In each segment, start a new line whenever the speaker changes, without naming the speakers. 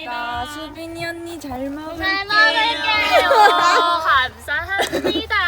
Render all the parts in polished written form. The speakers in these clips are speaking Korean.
제가 수빈이 언니 잘 먹을게요.
잘 먹을게요. 감사합니다.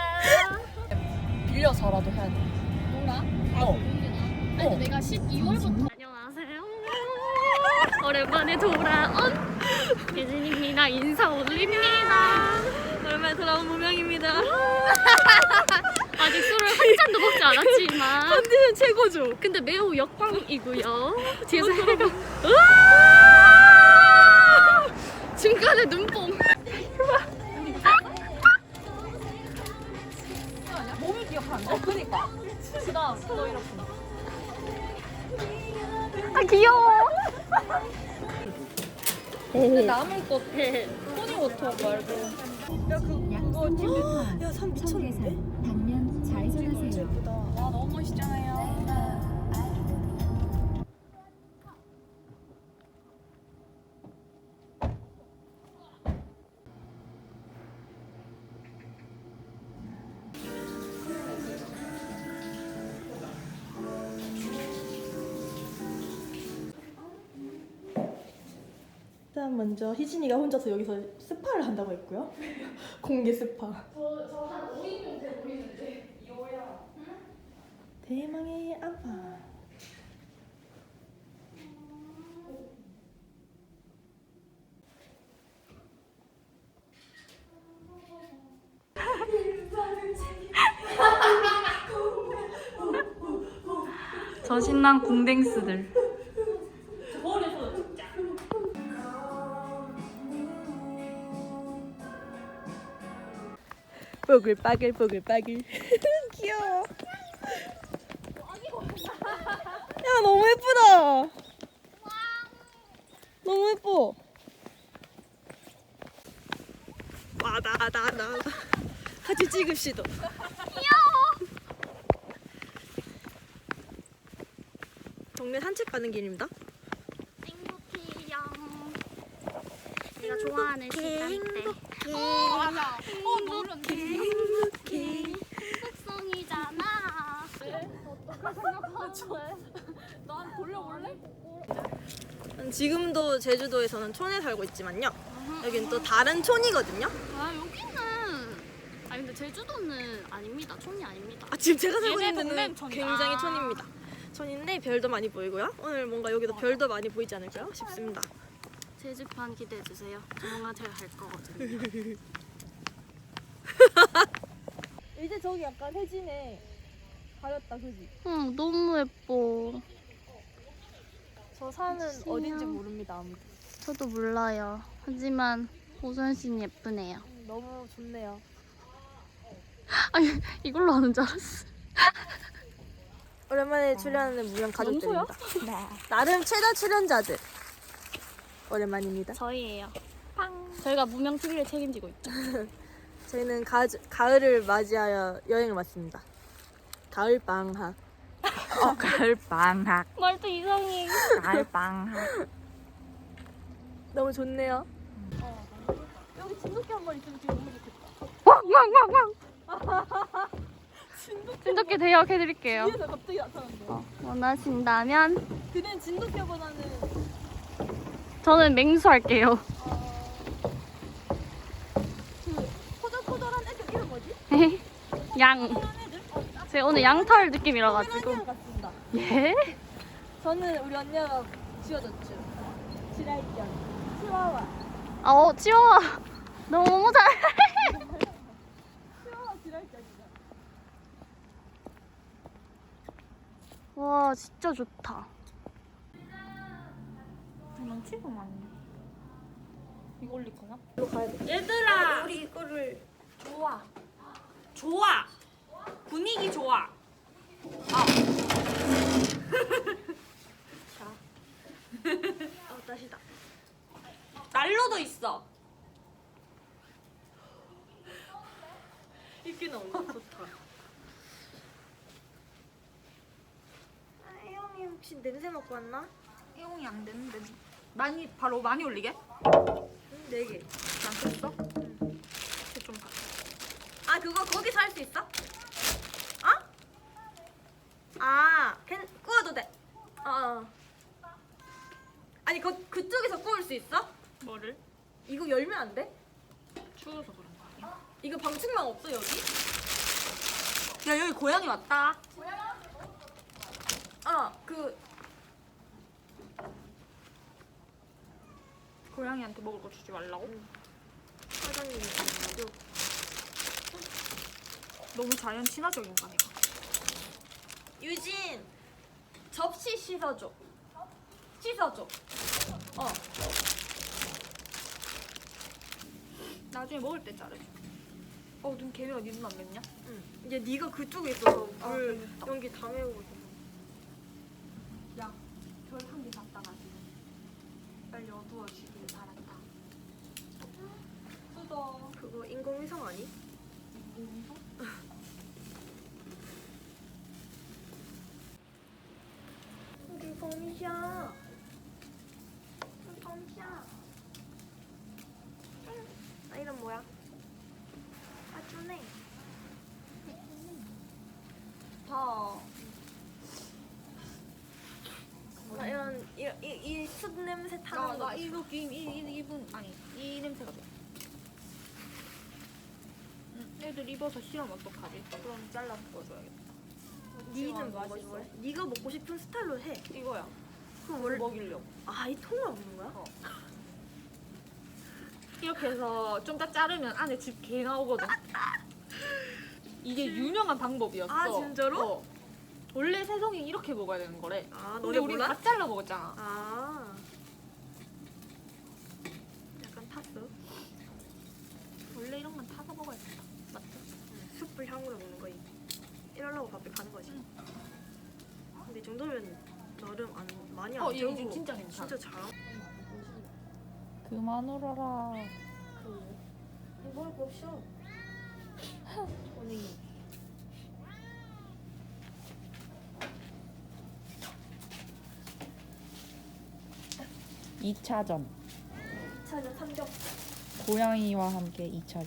빌려서라도 해야 돼.
뭐라? 아니 근데 내가 12월부터 안녕하세요. 오랜만에 돌아온 예진입니다. 인사 올립니다.
오랜만에 돌아온 무명입니다.
아직 술을 한 잔도 먹지 않았지만
컨디션 최고죠.
근데 매우 역광이고요. 뒤에서 해가 중간에 눈뽕.
몸을 기억한다. 그니까. 그다음 또 이렇게.
아 귀여워.
남을 거 토니워터 말고. 야 그거 야 산 미쳤는데?
당면 좌회전하세요.
와 너무 멋있잖아요. 일단 먼저 희진이가 혼자서 여기서 스파를 한다고 했고요. 공개 스파. 저한 5인용 돼 보이는데 이거야. 대망의 아빠.
저 신난 궁뎅스들.
뽀글빠글 뽀글빠글. 귀여워. 야 너무 예쁘다. 너무 예뻐. 나 같이 찍읍시다. 귀여워. 동네 산책 가는 길입니다.
행복해요. 내가 좋아하는 시간대.
맞아. 노렸는데. 행복해.
속성이잖아.
난 돌려볼래? 지금도 제주도에서는 촌에 살고 있지만요. 여긴 또 다른 촌이거든요.
아 여기는 아니 근데 제주도는 아닙니다. 촌이 아닙니다.
아 지금 제가 살고
얘네
있는 데는
동네는 촌이다.
굉장히 촌입니다. 촌인데 별도 많이 보이고요. 오늘 뭔가 여기도 별도 많이 보이지 않을까요? 싶습니다.
제주판 기대해 주세요. 조만간 제가 갈 거거든요.
이제 저기 약간 해진에 가렸다, 그지?
응 너무 예뻐.
저 산은 어딘지 모릅니다, 아무도.
저도 몰라요. 하지만 오선 씨는 예쁘네요.
너무 좋네요.
아니 이걸로 하는 줄 알았어.
오랜만에 출연하는 무명 가족들입니다. 나름 최다 출연자들. 오랜만입니다.
저희예요. 저희가 무명 TV를 책임지고 있죠.
저희는 가을을 맞이하여 여행을 왔습니다. 가을 방학.
가을 방학.
말도 이상해.
가을 방학.
너무 좋네요. 여기 진돗개 한 마리 있으면 되게 너무 좋겠다.
왕왕왕왕. 진돗개 대역해드릴게요.
뒤에서 갑자기 나타난대.
원하신다면
그는 진돗개보다는
저는 맹수 할게요.
그 포절포절한 애들 이름 뭐지?
양.
포절한 애들?
제가 오늘 양털 느낌이라 가지고.
언니랑 같습니다.
예?
저는 우리 언니가 지어줬죠. 지랄견. 치와와.
치워와. 너무 잘.
치와와 지랄견이죠.
와 진짜 좋다.
넘치고만. 이거 올릴 거야?
이거 가야 돼.
얘들아,
우리 이거를
좋아. 좋아. 분위기 좋아.
다시다.
난로도 있어.
이렇게 나온다. 좋다. 혜영이 혹시 냄새 맡고 왔나?
이용이 안 되는데. 바로 많이 올리게?
4개.
난 됐어? 응. 좀 가.
아 그거 거기서 할 수 있어? 어? 아, 구워도 돼. 아니 그쪽에서 구울 수 수 있어?
뭐를?
이거 열면 안 돼?
추워서 그런 거 아니야?
이거 방충망 없어 여기?
야 여기 고양이 왔다. 고양이한테 먹을 거 주지 말라고?
사장님이 아니라고.
너무 자연 친화적인 거 아니야?
유진 접시 씻어줘. 씻어줘.
나중에 먹을 때 자르자. 눈 개미가 니 눈 안 맵냐?
응. 이제 네가 그쪽에 있어서
아,
물
재밌다.
연기 다 메우고 있어.
야, 별 한 개 잡다가지고 빨리 어두워지길 바란다. 뜯어.
그거 인공위성 아니? 우리 범이야. 우리 범이야. 아 이름 뭐야? 아주네.
다.
나 이런 이숯 냄새 타는 거.
나 이거 이분 아니 이 냄새가 돼. 애들 입어서 싫으면 어떡하지? 그럼 잘라 먹어줘야겠다.
니는 뭐 하지? 네가 먹고 싶은 스타일로 해.
이거야.
그럼 원래
먹이려고.
이 통을 먹는 거야?
이렇게 해서 좀 더 자르면 안에 집 개 나오거든. 이게 유명한 방법이었어.
아, 진짜로?
원래 새송이 이렇게 먹어야 되는 거래.
너네
근데 우리
몰라?
다 잘라 먹었잖아.
약간 탔어.
원래 이런 건 타서 먹어야 돼. 맞죠?
숯불 향으로 먹는 거지. 이러려고 밥에 가는 거지. 근데 이 정도면 나름 많이 안
얘
재우고
지금 진짜 괜찮아.
진짜 잘.
그만 울어라.
먹을 거 없어. 언니.
이차전
차는 삼겹.
고양이와 함께 2차전.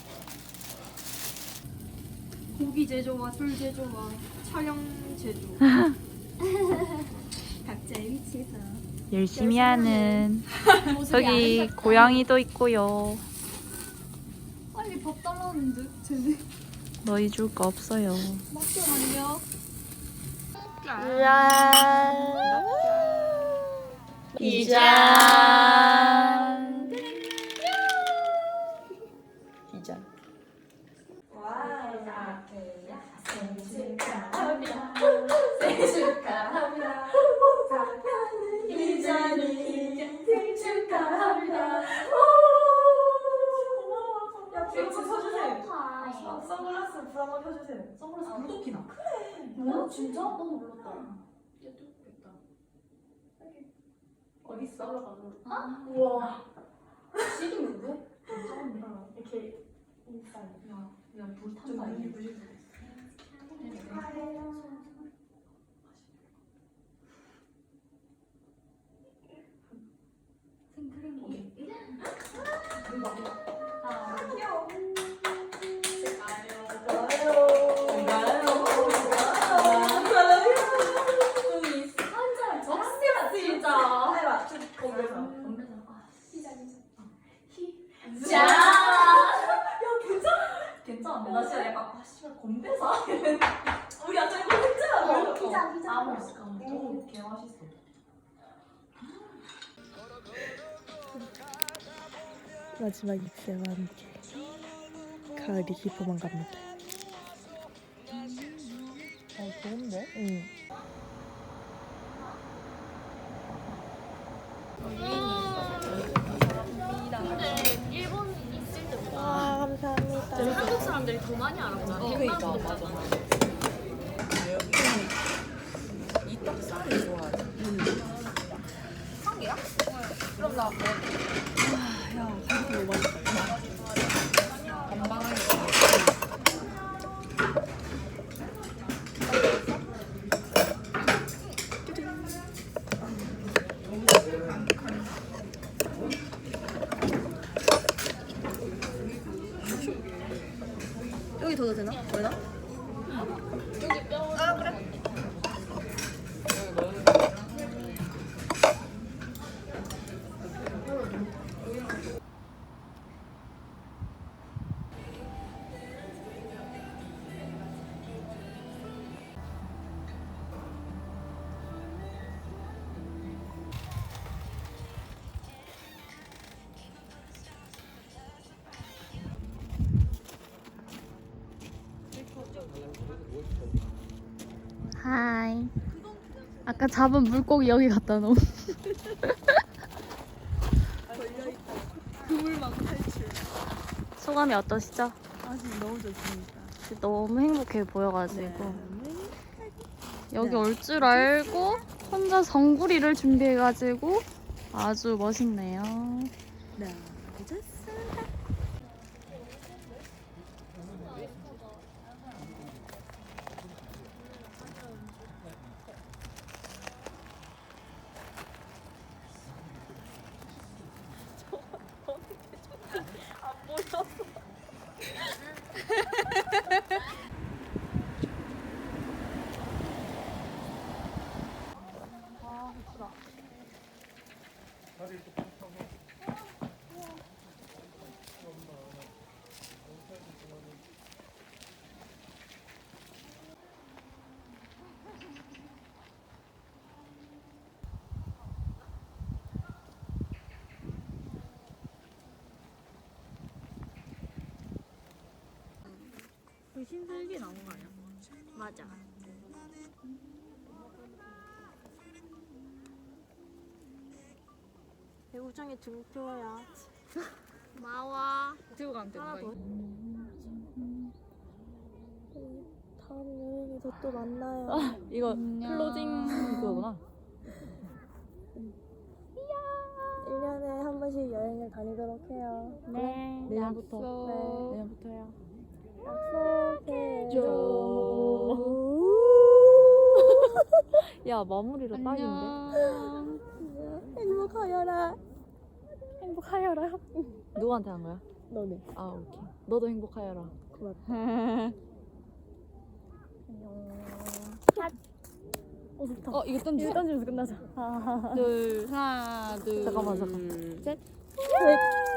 고기 제조와 술 제조와 촬영 제조. 각자의 위치에서.
열심히 하는 저기 고양이도 있고요.
빨리 밥 달라는데 쟤네.
너희 줄 거 없어요.
잠깐만요.
이짠. 이짠.
선글라스 불 한번 켜주세요. 선글라스 불도 켜나?
뭐야 진짜? 너무 몰랐다. 얘도 어디 있어? 우와. 시리인데?
이렇게 인사이.
그냥 불 탄다 이게. 생크림이.
귀여워.
괜찮은데 나 진짜 약간 씨발 건배사
우리 아까 이거 했잖아.
피자 아무 있을까? 너무 개 맛있어.
마지막 입새와 함께 가을이 깊어만 갑니다.
좋은데?
응.
근데 일본 있을 때보다
감사합니다.
한국 사람들이 더 많이 알았잖아.
그러니까 맞아. 이 떡살이 좋아하지.
한 개야? 그럼 나 뭐?
야, 가격이 너무 맛있다.
건강하게.
여기 더 되나? 되나?
여기 뼈.
그래.
바이바이. 아까 잡은 물고기 여기 갖다 놓음.
그물망 탈출.
소감이 어떠시죠?
아직 너무 좋습니다.
너무 행복해 보여가지고
네.
여기 올 줄 알고 혼자 성구리를 준비해가지고 아주 멋있네요.
네, 좋습니다.
그 흰슬기 나온 거 아니야?
맞아.
배우장에 등표야.
마와.
들고 가면 되는 거야.
다음 여행에서 또 만나요.
이거 클로징 그거구나.
1년에 한 번씩 여행을 다니도록 해요.
네.
내년부터.
네.
내년부터야.
약속해줘.
야 마무리로 딱인데.
안녕.
행복하여라.
행복하여라. 누구한테 한 거야?
너네.
아 오케이. 너도 행복하여라.
좋다.
이거 던지.
던지면서 끝나자.
하나 둘. 잠깐만. 셋.
네.